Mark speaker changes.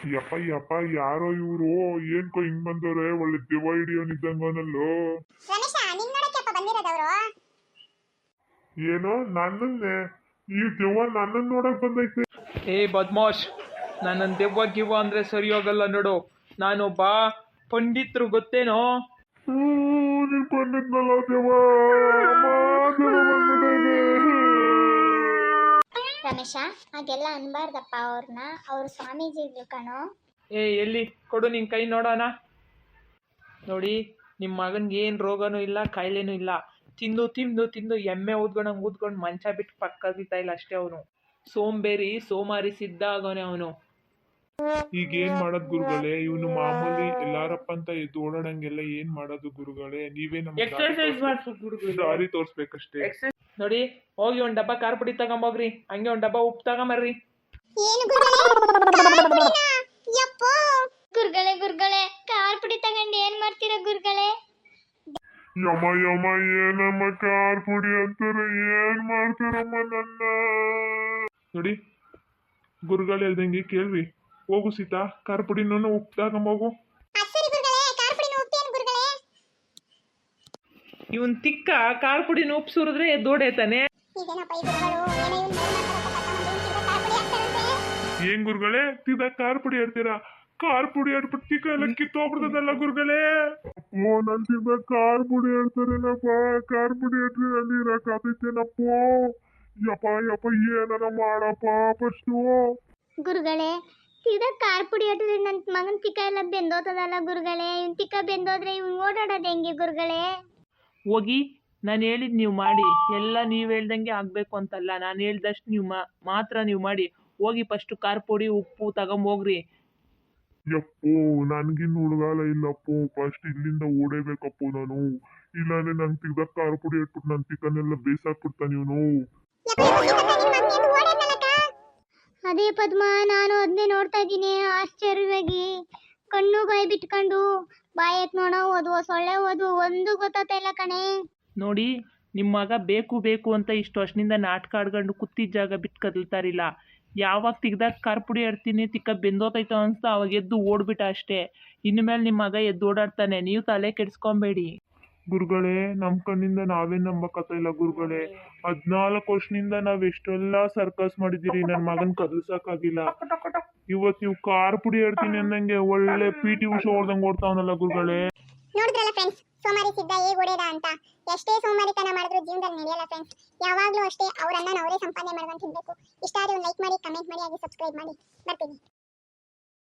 Speaker 1: ಯಪ್ಪ ಯಪ್ಪ ಯಾರೋ ಇವ್ರು ಏನ್ಕೋ ಹಿಂಗ್ ಬಂದವ್ರೆ ಒಳ್ಳೆ ದೆವ್ವ ಹಿಡಿಯೋನಿದ್ದಂಗನಲ್ಲೋ.
Speaker 2: ರಮೇಶ ನಿನ್ ನೋಡಕ್ಕೆಪ್ಪ ಬಂದಿರೋದವ್ರು?
Speaker 1: ಏನೋ ನನ್ನನ್ನೇ ಈ ದೆವ್ವ ನನ್ನನ್ ನೋಡಕ್ ಬಂದೈತೆ.
Speaker 3: ಏ ಬದ್ಮಾಶ್, ನನ್ನನ್ನು ದೆವ್ವ ಗಿವ್ವ ಅಂದ್ರೆ ಸರಿ ಹೋಗಲ್ಲ ನೋಡು. ನಾನೊಬ್ಬ ಪಂಡಿತ್ರು ಗೊತ್ತೇನೋ.
Speaker 1: ನೀನ್ ಬಂದಿದ್ನಲ್ಲ ದೆವ್ವ
Speaker 2: ರಮೇಶ ಹಾಗೆಲ್ಲ ಅನ್ಬಾರ್ದಪ್ಪ ಅವ್ರನ್ನ, ಅವ್ರ ಸ್ವಾಮೀಜಿಗಳು ಕಣೋ.
Speaker 3: ಏ ಎಲ್ಲಿ ಕೊಡು ನಿನ್ ಕೈ ನೋಡೋಣ. ನೋಡಿ, ನಿಮ್ಮ ಮಗನ್ಗೆ ಏನು ರೋಗನೂ ಇಲ್ಲ, ಕಾಯಿಲೆನೂ ಇಲ್ಲ. ತಿಂದು ತಿಂದು ತಿಂದು ಎಮ್ಮೆ ಊದ್ಕೊಂಡಂಗೆ ಊದ್ಕೊಂಡು ಮಂಚ ಬಿಟ್ಟು ಪಕ್ಕದಿತ್ತಾ ಇಲ್ಲ ಅಷ್ಟೇ. ಅವನು ಸೋಂಬೇರಿ ಸೋಮಾರಿ ಸಿದ್ಧ ಆಗೋನೆ ಅವನು.
Speaker 1: ಈಗ ಏನ್ ಮಾಡೋದ್ ಗುರುಗಳೇ? ಇವನು ಮಾಮೂಲಿ ಎಲ್ಲಾರಪ್ಪ ಅಂತ ಎದ್ದು ಓಡಾಡಂಗೆಲ್ಲ ಏನ್ ಮಾಡೋದು ಗುರುಗಳೇ? ನೀವೇ ನಮ್ಗೆ
Speaker 3: ಎಕ್ಸರ್ಸೈಸ್ ಮಾಡಿಸ್ಬೇಕು ಗುರುಗಳು,
Speaker 1: ದಾರಿ ತೋರ್ಸ್ಬೇಕಷ್ಟೇ.
Speaker 3: ನೋಡಿ, ಹೋಗಿ ಒಂದ್ ಡಬ್ಬ ಖಾರ ಪುಡಿ ತಗೊಂಬೋಗ್ರಿ, ಹಂಗೆ ಒಂದ್ ಡಬ್ಬ ಉಪ್ಪು ತಗೊಂಬರ್ರಿ.
Speaker 2: ಏನು ಗುರುಗಳೇ? ಗುರುಗಳೇ ಖಾರ ಪುಡಿ ತಗೊಂಡು ಏನ್ ಮಾಡ್ತೀರಾ ಗುರುಗಳೇ?
Speaker 1: ಯಮ ಯಮ ಏನಮ್ಮ ಕಾರ್ ಪುಡಿ ಅಂತಾರೆ, ಏನ್ ಮಾಡ್ತಾರಮ್ಮ ನನ್ನ? ನೋಡಿ ಗುರುಗಳು ಹೇಳ್ದಂಗೆ ಕೇಳ್ರಿ. ಹೋಗು ಸೀತಾ, ಖಾರ ಪುಡಿನೂ ಉಪ್ಪು ತಗೊಂಬೋಗು.
Speaker 3: ಇವನ್ ತಿಕ್ಕ ಖಾರ ಪುಡಿನ ಉಪ್ಪು ಸುರಿದ್ರೆ ಎದ್ದೋಡೇತಾನೆ.
Speaker 1: ಏನ್ ಗುರುಗಳೇ ತಿದ ಖಾರ ಪುಡಿ ಹೇಳ್ತೀರಾ? ಖಾರ ಪುಡಿ ಹೇಳ್ಬಿಟ್ಟು ತಿಕ್ಕ ಎಲ್ಲ ಕಿತ್ತೋಗ್ಬಿಡ್ತದಲ್ಲ ಗುರುಗಳೇ. ಓ ನನ್ ತಿಂದ ಖಾರ ಪುಡಿ ಹೇಳ್ತಾರೇನಪ್ಪ. ಖಾರ ಪುಡಿ ಹೇಳ್ರಿ ಅಲ್ಲಿ ಇರಕಾತೈತೇನಪ್ಪ. ಯಪ್ಪ ಯಪ್ಪ ಏನಾರ ಮಾಡಪ್ಪ ಫಸ್ಟು.
Speaker 2: ಗುರುಗಳೇ ಸೀದಾ ಖಾರ ಪುಡಿ ಹಾಕಿದ್ರೆ ನನ್ನ ಮಗನ ತಿಕ್ಕ ಎಲ್ಲ ಬೆಂದೋತದಲ್ಲ ಗುರುಗಳೇ. ಇವ್ನ ತಿಕ್ಕ ಬೆಂದೋದ್ರೆ ಇವ್ನು ಓಡಾಡೋದು ಹೆಂಗೆ ಗುರುಗಳೇ?
Speaker 3: ಹೋಗಿ ನಾನು ಹೇಳಿದ್ ನೀವು ಮಾಡಿ. ಎಲ್ಲ ನೀವು ಹೇಳ್ದಂಗೆ ಆಗಬೇಕು ಅಂತಲ್ಲ, ನಾನು ಹೇಳ್ದಷ್ಟು ನೀವು ಮಾತ್ರ ನೀವು ಮಾಡಿ. ಹೋಗಿ ಫಸ್ಟು ಖಾರ ಪುಡಿ ಉಪ್ಪು ತಗೊಂಬೋಗ್ರಿ.
Speaker 1: ಯಪ್ಪೋ ನನ್ಗಿನ್ ಹುಡುಗಾಲ ಇಲ್ಲಪ್ಪೋ. ಫಸ್ಟ್ ಇಲ್ಲಿಂದ ಓಡೇಬೇಕಪ್ಪೋ ನಾನು. ಇಲ್ಲಾಂದ್ರೆ ನಂಗೆ ತಿಗ್ದ ಖಾರ ಪುಡಿ ಇಟ್ಬಿಟ್ಟು ನನ್ನ ತಿಕ್ಕನೆಲ್ಲ ಬೇಸಾಕ್ಬಿಡ್ತಾನೆ ಇವನು.
Speaker 2: ಅದೇ ಪದ್ಮ, ನಾನು ಅದನ್ನೇ ನೋಡ್ತಾ ಇದ್ದೀನಿ ಆಶ್ಚರ್ಯವಾಗಿ. ಕಣ್ಣು ಬಾಯಿ ಬಿಟ್ಕೊಂಡು ಬಾಯಕ್ ನೋಡೋ ಓದುವ ಸೊಳ್ಳೆ ಓದುವ ಒಂದು ಗೊತ್ತಾಗ್ತಾ ಇಲ್ಲ ಕಣೆ.
Speaker 3: ನೋಡಿ, ನಿಮ್ಮ ಮಗ ಬೇಕು ಬೇಕು ಅಂತ ಇಷ್ಟು ವರ್ಷದಿಂದ ನಾಟಕ ಆಡ್ಕೊಂಡು ಕೂತಿದ್ದ ಜಾಗ ಬಿಟ್ಟು ಕದಲ್ತಾರಿಲ್ಲ. ಯಾವಾಗ ತಿಗ್ದಾಗ ಖಾರ ಪುಡಿ ಆಡ್ತೀನಿ ತಿಕ್ಕ ಬೆಂದೋತೈತೋ ಅನ್ಸ್ತಾ ಅವಾಗ ಎದ್ದು ಓಡ್ಬಿಟ್ಟ ಅಷ್ಟೇ. ಇನ್ಮೇಲೆ ನಿಮ್ಮ ಮಗ ಎದ್ದು ಓಡಾಡ್ತಾನೆ, ನೀವು ತಲೆ ಕೆಡಿಸ್ಕೊಬೇಡಿ.
Speaker 1: ಗುರುಗಳೇ ನಮ್ ಕಣ್ಣಿಂದ ನಾವೇ ನಂಬಕತ್ತ ಇಲ್ಲ ಗುರುಗಳೇ. 14 ವರ್ಷದಿಂದ ನಾವ್ ಎಷ್ಟೆಲ್ಲ ಸರ್ಕಸ್ ಮಾಡಿದಿರಿ, ನನ್ ಮಗನ್ ಕದಲ್ಸಕ್ಕಾಗಿಲ್ಲ. ಇವತ್ ನೀವು ಖಾರ ಪುಡಿ ಹೇಳ್ತೀನಿ ಅನ್ನಂಗೆ ಒಳ್ಳೆ PT ಉಷಾ ಓಡ್ದಂಗ್ ಓಡ್ತಾವನಲ್ಲ ಗುರುಗಳೇ.
Speaker 2: ನೋಡಿದ್ರಲ್ಲ ಫ್ರೆಂಡ್ಸ್, ಸೋಮಾರಿ ಸಿದ್ಧ ಹೇಗೆ ಓಡೇದ ಅಂತ. ಎಷ್ಟೇ ಸೋಮಾರಿತನ ಮಾಡಿದ್ರು ಜೀವನದಲ್ಲಿ ನಡೆಯಲ್ಲ ಫ್ರೆಂಡ್ಸ್. ಯಾವಾಗಲೂ ಅಷ್ಟೇ ಅವರನ್ನ ಅವರೇ ಸಂಪಾದನೆ ಮಾಡ್ಕೊಂಡು ತಿನ್ಬೇಕು. ಇಷ್ಟ ಆದ್ರೆ ಒಂದು ಲೈಕ್ ಮಾಡಿ, ಕಮೆಂಟ್ ಮಾಡಿ, ಹಾಗೆ ಸಬ್ಸ್ಕ್ರೈಬ್ ಮಾಡಿ. ಬರ್ತೀನಿ.